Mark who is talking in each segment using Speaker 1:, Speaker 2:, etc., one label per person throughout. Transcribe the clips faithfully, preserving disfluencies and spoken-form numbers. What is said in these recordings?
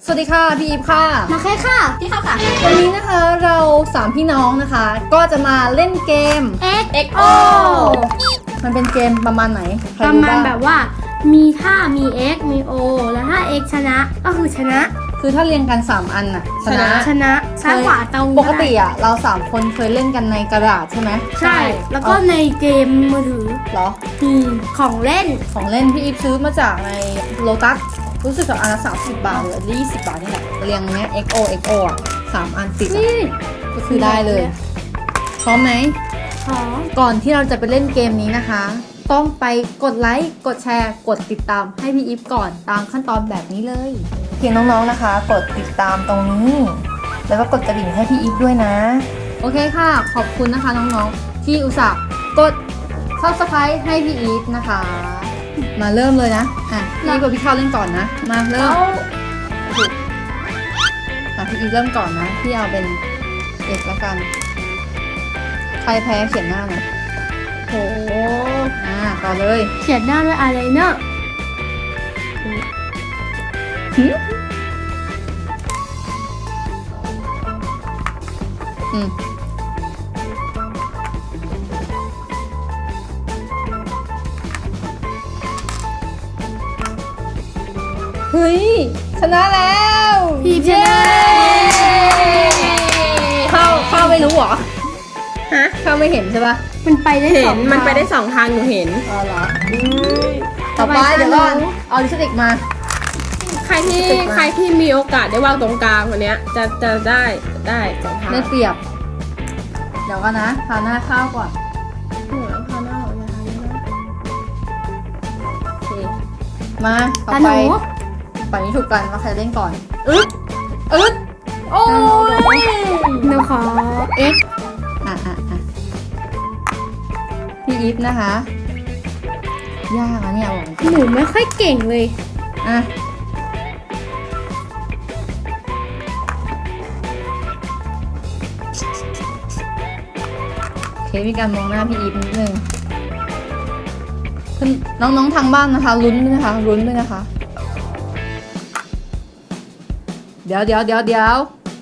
Speaker 1: สวัสดีค่ะพี่อีฟค่ะ
Speaker 2: มาแค่ค่ะที่เข้าค่ะ
Speaker 1: วันนี้นะคะเราสามพี่น้องนะคะก็จะมาเล่นเกม
Speaker 2: X X O
Speaker 1: มันเป็นเกมประมาณไหนใค
Speaker 2: ประ
Speaker 1: รู้
Speaker 2: มาณ
Speaker 1: บ้ง
Speaker 2: แบบว่ามีถ้ามี X มี O แล้วถ้า X ชนะก็คือชนะ
Speaker 1: คือถ้าเรียงกันสามอันน่ะชนะ
Speaker 2: ชนะซ้ายขวาตรง
Speaker 1: ปกติอ่ะเราสามคนเคยเล่นกันในกระดาษใช่ไหม
Speaker 2: ใช่แล้วก็ในเกมมือถือ
Speaker 1: เหรอ
Speaker 2: มีของเล่น
Speaker 1: ของเล่นพี่อีฟซื้อมาจากในโลตัสรู้สึกกับอันละสามสิบบาทหรืออันละยี่สิบบาทนี่แหละเรียงเนี้ย เอ็ก โอ เอ็ก โอ อ่ะสามอันติดอะก็คือได้เลยพร้อมไหม
Speaker 2: ของ
Speaker 1: ก่อนที่เราจะไปเล่นเกมนี้นะคะ ต้องไปกดไลค์กดแชร์กดติดตามให้พี่อีฟก่อนตามขั้นตอนแบบนี้เลยเพียงน้องๆนะคะ กดติดตามตรงนี้แล้วก็กดกระดิ่งให้พี่อีฟด้วยนะโอเคค่ะขอบคุณนะคะน้องๆที่อุตส่าห์กด ซับสไครบ์ให้พี่อีฟนะคะมาเริ่มเลยนะอ่ะพี่อีฟกับพี่ข้าวเล่นก่อนนะมาเริ่มอ่ะพี่อีฟเริ่มก่อนนะพี่เอาเป็นเอกละกันใครแพ้เขียนหน้าหน่อย
Speaker 2: โห
Speaker 1: อ่าต่อเลย
Speaker 2: เขียนหน้าด้วยอะไรเนอะ
Speaker 1: หึอืมเฮ้ยชนะแล้ว
Speaker 2: พี่ชนะ
Speaker 1: เข้าเข้าไม่รู้เหรอ
Speaker 3: ฮะ
Speaker 1: เข้าไม่เห็นใช่ปะ
Speaker 2: มันไปได้
Speaker 3: เห็
Speaker 2: สอน ง
Speaker 3: มันไปได้
Speaker 2: ทาง
Speaker 3: สองทางหนูเห็น
Speaker 1: อ๋อเหรอต่อไปเดี๋ยวก่อนเอาลิปสติกมา
Speaker 3: ใครที่ใครที่มีโอกาสได้วางตรงกลางวันเนี้ยจะจะได้ได้สองทาง
Speaker 1: ได้เปรียบ เดี๋ยวกันนะพาหน้าข้าวก่อน
Speaker 3: โอ้แล้วพาหน้าออกอย่าทำนะโอเค
Speaker 1: มาต่อ
Speaker 2: ตาห
Speaker 1: ไป
Speaker 2: นู
Speaker 1: ไปนี้ถูกกันว่าใครเล่นก่อนอึ๊ดอึ๊ดโอ้ย
Speaker 2: หนูขอ X
Speaker 1: อ่ะอ่ะอ่ะพี่อีฟนะคะ ยากนะเนี่ยบอก
Speaker 2: หนูไม่ค่อยเก่งเลย
Speaker 1: อ่ะโอเคมีการมองหน้าพี่อีฟนิดนึงคุณน้องๆทางบ้านนะคะลุ้นด้วยนะคะลุ้นด้วยนะคะ เดี๋ยวเดี๋ยวเดี๋ยวเดี๋ยว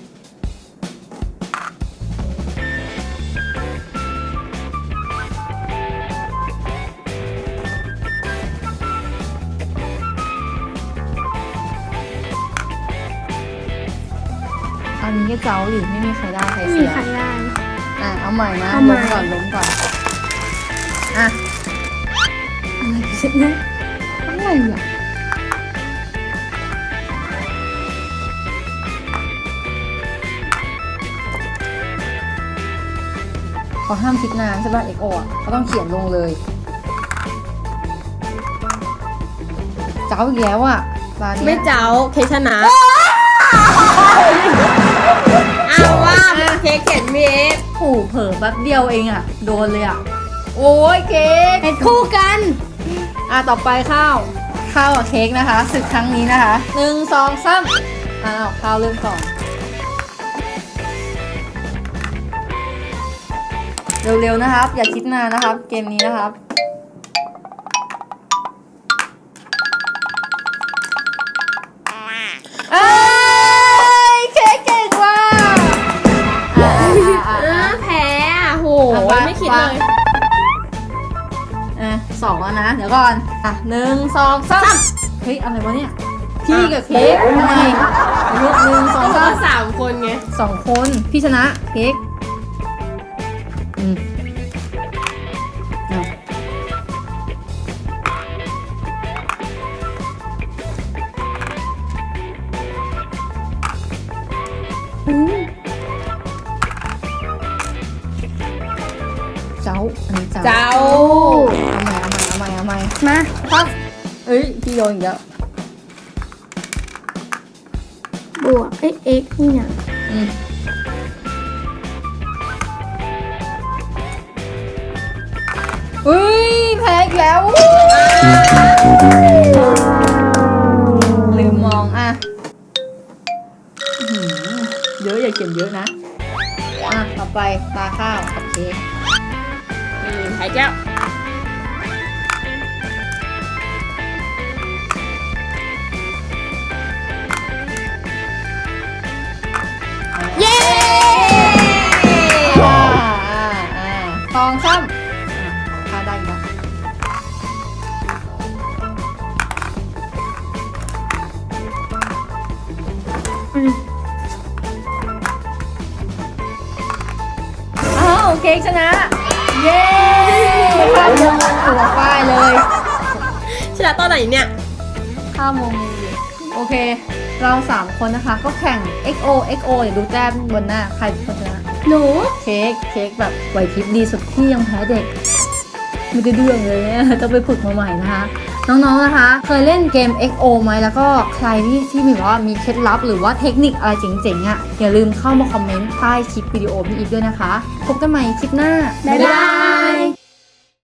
Speaker 1: อันนี้ก็เจ้าหรือไม่มีใครได้ใคร
Speaker 2: ไม่
Speaker 1: เสี
Speaker 2: มี
Speaker 1: ย
Speaker 2: ใครได้
Speaker 1: อ่ะเอาใหม่นะ
Speaker 2: เอาใหม่
Speaker 1: ล้มก่อนล้มก่อนอ่ะอะไรเสร็จนะอะไรอ่ะเขาห้ามคิดนานใช่ป่ะเอกโออ่ะเขาต้องเขียนลงเลยเจ้าอีกแล้วอ่ะร้าน
Speaker 3: ไม่
Speaker 1: เนี้ย
Speaker 3: เจ้าเคชนะอ้าวว่าเคเขียนมีเอฟ
Speaker 1: โอ้โหเผลอแป๊บเดียวเองอ่ะโดนเลยอ่ะโอ้ยเค้ก
Speaker 2: เป็นคู่กัน
Speaker 1: อ่ะต่อไปข้าวข้าวกับเค้กนะคะศึกครั้งนี้นะคะหนึ่งสองสามอ้าวข้าวเริ่มก่อนเร็วๆนะครับ อย่าคิดนานนะครับ เกมนี้นะครับเอ้ยเค้กเก่งว่ะอ่ะอ่ะอ่ะ
Speaker 3: เอ
Speaker 1: อ่ะ
Speaker 3: อแพ้อ่ะโห
Speaker 1: เอาไป
Speaker 3: ไม่คิดเลย
Speaker 1: อ่ะสองแล้วนะ เดี๋ยวก่อนอ่ะหนึ่งสองสามเฮ้ยอะไรวะเนี่ยพี่กับเค้กทำไมหนึ่งสอง
Speaker 3: ก็
Speaker 1: สาม
Speaker 3: สามคนไง
Speaker 1: สองคนพี่ชนะเค้กอืมเอาอืมเจ้าอันนี้เจ้า
Speaker 3: เจ้า
Speaker 1: เอาใหม่เอาใหม่เอาใหม่เอาใหม่
Speaker 2: มา
Speaker 1: ครับเอ้ยพี่โยนอีกแล้ว
Speaker 2: บวก X X นี่นะ
Speaker 1: อืมเฮ้ยแพ้อีกแล้วลืมมองอ่ะอื้อหือเยอะอย่าเขียนเยอะนะอ่ะต่อไปตาข้าวกับเค้ก
Speaker 3: อืมไข่แก้ว
Speaker 1: อ
Speaker 2: อืม
Speaker 1: อ้าวเค้กชนะ เย้ข้ามวงหัวป้ายเลย
Speaker 3: ชนะตอนไหนเนี่ย
Speaker 1: ข้ามวงโอเค เราสามคนนะคะ ก็แข่ง เอ็ก โอ เอ็ก โอ เดี๋ยวดูแต้มบนหน้าใครเป็นคนชนะ
Speaker 2: หนู
Speaker 1: เค้กเค้กแบบไหวพริบดีสุดที่ยังแพ้เด็ก ไม่ได้เรื่องเลยเนี่ยต้องไปฝึกมาใหม่นะคะ น้องๆนะคะ เคยเล่นเกม เอ็ก โอ ไหมแล้วก็ใครที่ที่มีแบบว่ามีเคล็ดลับหรือว่าเทคนิคอะไรเจ๋งๆอ่ะอย่าลืมเข้ามาคอมเมนต์ใต้คลิปวิดีโอพี่อีฟด้วยนะคะ พบกันใหม่คลิปหน้า
Speaker 2: บ๊ายบาย